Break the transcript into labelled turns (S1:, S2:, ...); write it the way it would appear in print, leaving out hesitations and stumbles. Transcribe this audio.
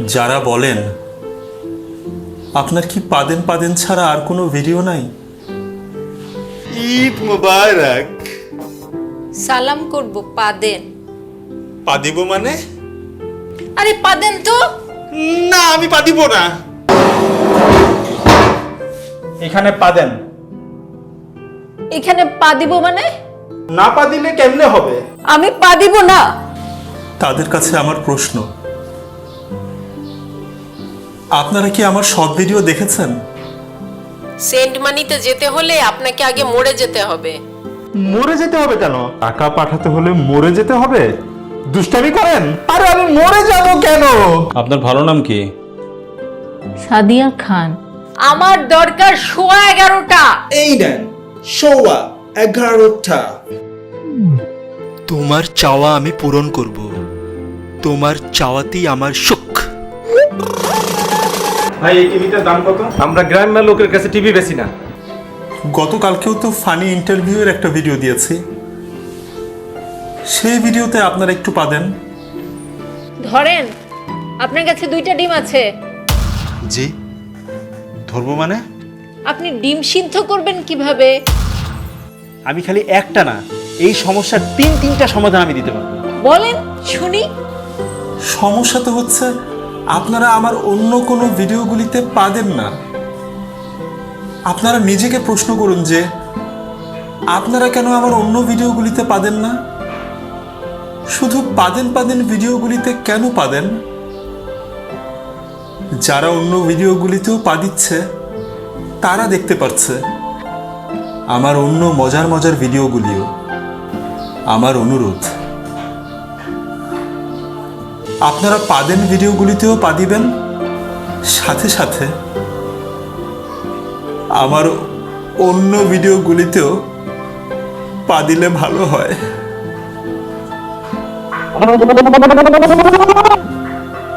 S1: যারা বলেন আপনার কি পাদেন পাদেন ছাড়া আর কোনো ভিডিও নাই,
S2: ঈদ মুবারক।
S3: সালাম করব পা দেন।
S2: পা দিব মানে?
S3: আরে পা দেন তো।
S2: না, আমি পা দিব না।
S4: এখানে পা দেন।
S3: এখানে পা দিব মানে?
S4: না পা দিলে কেমনে হবে?
S3: আমি পা দিব না।
S1: তাদের কাছে আমার প্রশ্ন, আপনারা কি আমার শর্ট ভিডিও দেখেছেন?
S5: সেন্ট মানিতে যেতে হলে আপনাকে আগে মরে যেতে হবে।
S4: মরে যেতে হবে কেন? টাকা পাঠাতে হলে মরে যেতে হবে? দুষ্টামি করেন? আরে আমি মরে যাব কেন?
S6: আপনার ভালো নাম কি?
S7: সাদিয়া খান।
S3: আমার দরকার 11:15।
S8: এই নেন 11:15।
S9: তোমার চাওয়া আমি পূরণ করব, তোমার চাওয়াতেই আমার সুখ।
S4: ভাই এই টিভিটার দাম কত? আমরা গ্রামের লোকের কাছে টিভি বেশি না।
S1: গতকালকেও তো ফানি ইন্টারভিউয়ের একটা ভিডিও দিয়েছি, সেই ভিডিওতে আপনারা একটু পাদেন।
S3: ধরেন, আপনার কাছে 2টা ডিম আছে।
S2: জি, ধরবো মানে?
S3: আপনি ডিম সিদ্ধ করবেন কিভাবে?
S8: আমি খালি একটা না, এই সমস্যার 3টা সমাধান আমি দিতে পারবো।
S3: বলেন শুনি।
S1: সমস্যা তো হচ্ছে আপনারা আমার অন্য কোনো ভিডিওগুলিতে পাদেন না। আপনারা নিজেকে প্রশ্ন করুন যে আপনারা কেন আমার অন্য ভিডিওগুলিতে পাদেন না? শুধু পাদেন পাদেন ভিডিওগুলিতে কেন পাদেন? যারা অন্য ভিডিওগুলিতেও পা দিচ্ছে তারা দেখতে পাচ্ছে আমার অন্য মজার মজার ভিডিওগুলিও। আমার অনুরোধ, আপনারা পাদেন ভিডিওগুলিতেও পা দিবেন, সাথে সাথে আমার অন্য ভিডিওগুলিতেও পা দিলে ভালো হয়।